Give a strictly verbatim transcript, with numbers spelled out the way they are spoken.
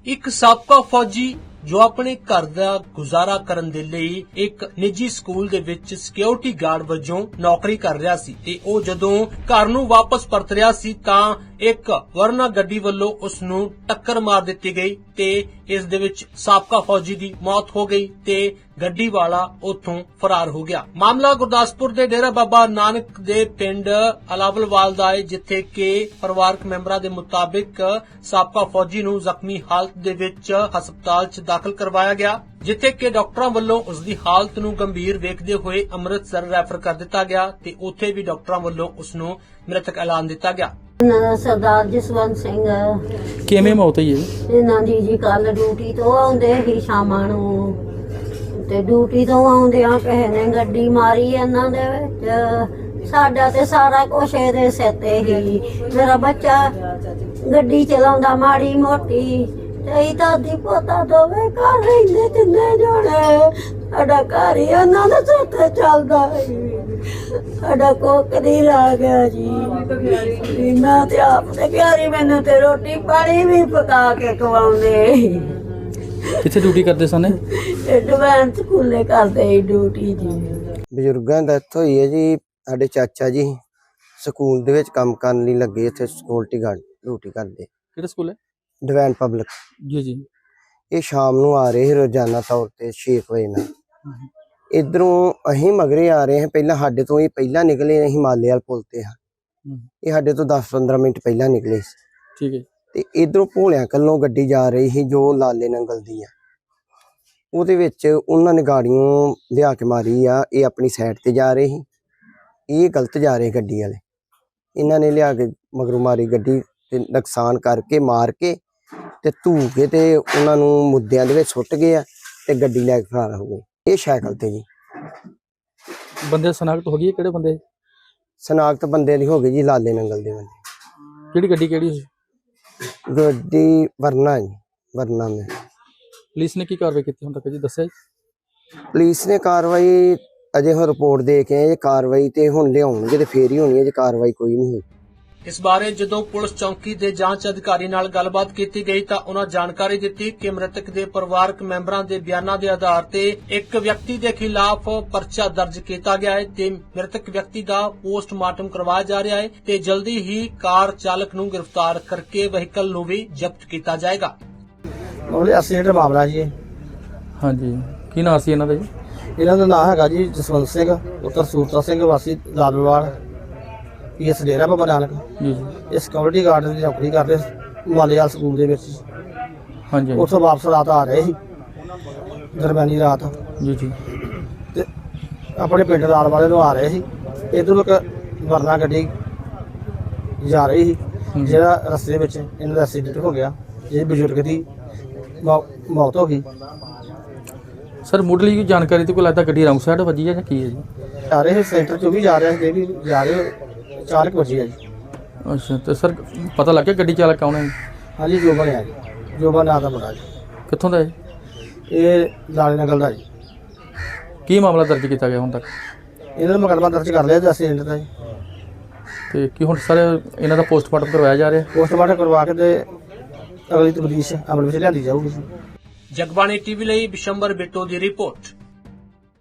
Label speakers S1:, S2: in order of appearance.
S1: एक साबका फौजी जो अपने घर दा गुजारा करन दे लई एक निजी स्कूल दे विच सिक्योरिटी गार्ड वजों नौकरी कर रहा सी ते ओ जदों घर नूं वापस परत रहा सी तां एक वरना गड्डी वल्लों उस नूं टक्कर मार दित्ती गई ते इस दे विच साबका फौजी दी मौत हो गई ते गड्डी वाला उत्थों फरार हो गया। मामला गुरदासपुर दे डेरा बाबा नानक दे पिंड अलावलवाल दा है, जिथे के परिवारक मैंबरां दे मुताबिक साबका फौजी नूं जख्मी हालत दे विच हस्पताल च दाखिल करवाया गया, जिथे के डॉक्टरां वल्लों उसदी हालत नूं गंभीर वेखदे होए अमृतसर रैफर कर दिता गया ते उत्थे भी डॉक्टरां वल्लों उस नूं मृतक ऐलान दिता गया।
S2: सरदार जसवंत सिंह
S3: किवें मौत होई है?
S2: इन्हां दी जी कल ड्यूटी तो आउंदे ही शामां नूं ते ड्यूटी तो आउंदियां किसे ने गड्डी मारी इन्हां दे विच। साडा ते सारा कुछ इहदे सिर ते ही। मेरा बच्चा गड्डी चलाउंदा माड़ी मोटी ते दादी पोता दोवें घर रहिंदे तिन्ने जणे। साडा घर ही इन्हां दे सिर ते चलदा साडा कोक दी ला गया जी। मैं ते आप ते प्यारी मैनू ते रोटी पानी भी पका के खवाउंदे।
S3: किथे ड्यूटी करदे सन?
S2: एडवांस स्कूले करदे ड्यूटी जी।
S4: बजुर्गां दी डेथ होई है जी। साडे चाचा जी स्कूल दे विच काम करन लई लगे, इत्थे सिक्योरिटी गार्ड ड्यूटी करदे।
S3: किहड़ा स्कूल है?
S4: डिवाइन पब्लिक
S3: जी जी।
S4: ये शाम नूं आ रहे रोजाना तौर ते छे बजे नाल। इधरों अहीं मगरे आ रहे हैं, पहला साडे तो ये पहला निकले, हिमालय वाल पुल ते हाँ। ये साडे तो दस पंद्रह मिनट पहला निकले।
S3: ठीक है।
S4: ते इधरों भोलियां कल्लों गड्डी जा रही थी जो लाले नंगल दी है। ਉਹਦੇ ਵਿੱਚ ਉਹਨਾਂ ਨੇ ਗਾੜੀਆਂ ਲਿਆ ਕੇ ਮਾਰੀ ਆ। ਇਹ ਆਪਣੀ ਸਾਈਡ ਤੇ ਜਾ ਰਹੇ ਸੀ, ਇਹ ਗਲਤ ਜਾ ਰਹੇ ਗੱਡੀ ਵਾਲੇ। ਇਹਨਾਂ ਨੇ ਲਿਆ ਕੇ ਮਗਰੋਂ ਮਾਰੀ ਗੱਡੀ ਤੇ ਨੁਕਸਾਨ ਕਰਕੇ ਮਾਰ ਕੇ ਤੇ ਧੂ ਕੇ ਤੇ ਉਹਨਾਂ ਨੂੰ ਮੁੱਦਿਆਂ ਦੇ ਵਿੱਚ ਸੁੱਟ ਗਏ ਆ ਤੇ ਗੱਡੀ ਲੈ ਕੇ ਫਰਾਰ ਹੋ ਗਏ। ਇਹ ਸਾਈਕਲ ਤੇ ਜੀ।
S3: ਬੰਦੇ ਸਨਾਖਤ ਹੋ ਗਈ? ਕਿਹੜੇ ਬੰਦੇ
S4: ਸਨਾਖਤ ਬੰਦੇ ਦੀ ਹੋ ਗਈ ਜੀ, ਲਾਲੇ ਨੰਗਲ ਦੇ ਬੰਦੇ।
S3: ਕਿਹੜੀ ਗੱਡੀ ਕਿਹੜੀ ਸੀ?
S4: ਗੱਡੀ ਵਰਨਾ ਜੀ, ਵਰਨਾ ਮੈਂ।
S3: ਪੁਲਿਸ ਨੇ ਕੀ ਕਾਰਵਾਈ ਕੀਤੀ ਹੁਣ ਤੱਕ ਜੀ ਦੱਸਿਆ ਜੀ?
S4: ਪੁਲਿਸ ਨੇ ਕਾਰਵਾਈ ਅਜੇ ਹੁਣ ਰਿਪੋਰਟ ਦੇ ਕੇ ਆਏ। ਕਾਰਵਾਈ ਤੇ ਹੁਣ ਲਿਆਉਣਗੇ ਤੇ ਫੇਰ ਹੀ ਹੋਣੀ ਹੈ, ਜੇ ਕਾਰਵਾਈ ਕੋਈ ਨਹੀਂ ਹੋਈ।
S1: इस बारे जदों पुलिस चौकी दे जांच अधिकारी नाल गलबात कीती गई तां उन्हां जानकारी दित्ती कि मृतक दे परिवारक मैंबरां दे बयानां दे आधार ते एक व्यक्ति दे खिलाफ परचा दर्ज कीता गया है ते मृतक व्यक्ति दा पोस्टमार्टम करवाया जा रहा है ते जल्दी ही कार चालक नूं गिरफ्तार करके व्हीकल नूं भी जब्त कीता जाएगा।
S5: ਉਹਦੇ ਐਕਸੀਡੈਂਟ ਮਾਮਲਾ ਜੀ।
S3: ਹਾਂਜੀ, ਕੀ ਨਾਂ ਸੀ ਇਹਨਾਂ ਦਾ ਜੀ?
S5: ਇਹਨਾਂ ਦਾ ਨਾਮ ਹੈਗਾ ਜੀ ਜਸਵੰਤ ਸਿੰਘ ਪੁੱਤਰ ਸੂਰਤਾ ਸਿੰਘ ਵਾਸੀ ਲਾਲਵਾਲ, ਪੀਐਸ ਡੇਰਾ ਬਾਬਾ ਨਾਨਕ।
S3: ਜੀ ਜੀ।
S5: ਇਹ ਸਿਕਿਉਰਿਟੀ ਗਾਰਡ ਦੀ ਨੌਕਰੀ ਕਰਦੇ ਮਾਲੇਵਾਲ ਸਕੂਲ ਦੇ ਵਿੱਚ।
S3: ਹਾਂਜੀ
S5: ਉੱਥੋਂ ਵਾਪਸ ਰਾਤ ਆ ਰਹੇ ਸੀ, ਦਰਮਿਆਨੀ ਰਾਤ।
S3: ਜੀ ਜੀ।
S5: ਤੇ ਆਪਣੇ ਪਿੰਡ ਲਾਲ ਵਾਲੇ ਨੂੰ ਆ ਰਹੇ ਸੀ। ਇੱਧਰੋਂ ਇੱਕ ਵਰਨਾ ਗੱਡੀ ਜਾ ਰਹੀ ਸੀ, ਜਿਹੜਾ ਰਸਤੇ ਵਿੱਚ ਇਹਨਾਂ ਦਾ ਐਕਸੀਡੈਂਟ ਹੋ ਗਿਆ। ਇਹ ਬਜ਼ੁਰਗ ਦੀ ਮੌ- ਮੌਤ ਹੋ ਗਈ।
S3: ਸਰ ਮੁੱਢਲੀ ਕੋਈ ਜਾਣਕਾਰੀ ਤੇ ਕੋਈ ਲੱਗਦਾ ਗੱਡੀ ਰੌਂਗ ਸਾਈਡ ਵੱਜੀ ਹੈ ਜਾਂ ਕੀ ਹੈ ਜੀ?
S5: ਆ ਰਹੇ ਸੈਂਟਰ ਚੋਂ ਵੀ ਜਾ ਰਿਹਾ ਸੀ, ਇਹ ਵੀ ਜਾ ਰਹੇ ਚਾਰ ਕੁ ਵਜੇ ਆ ਜੀ।
S3: ਅੱਛਾ, ਤੇ ਸਰ ਪਤਾ ਲੱਗ ਗਿਆ ਗੱਡੀ ਚਾਲਕ ਕੌਣ ਹੈ?
S5: ਹਾਂਜੀ ਜੋਬਨ ਹੈ ਜੀ, ਜੋਬਨ ਨਾਂ ਦਾ ਮੁੰਡਾ ਜੀ।
S3: ਕਿੱਥੋਂ ਦਾ ਹੈ?
S5: ਇਹ ਲਾਲੇ ਨਗਲ ਦਾ ਜੀ।
S3: ਕੀ ਮਾਮਲਾ ਦਰਜ ਕੀਤਾ ਗਿਆ ਹੁਣ ਤੱਕ?
S5: ਇਹਨਾਂ ਦਾ ਮੁਕੱਦਮਾ ਦਰਜ ਕਰ ਲਿਆ ਜੀ ਐਕਸੀਡੈਂਟ ਦਾ ਜੀ।
S3: ਤੇ ਕੀ ਹੁਣ ਸਰ ਇਹਨਾਂ ਦਾ ਪੋਸਟਮਾਰਟਮ ਕਰਵਾਇਆ ਜਾ ਰਿਹਾ?
S5: ਪੋਸਟਮਾਰਟਮ ਕਰਵਾ ਕੇ ਤੇ ਅਗਲੀ ਤਬਦੀਸ਼ ਅਮਲ ਵਿੱਚ ਲਿਆਂਦੀ ਜਾਊਗੀ।
S1: जगबाणी टीवी ਲਈ ਬਿਸ਼ੰਬਰ ਬਿੱਟੋ ਦੀ ਰਿਪੋਰਟ।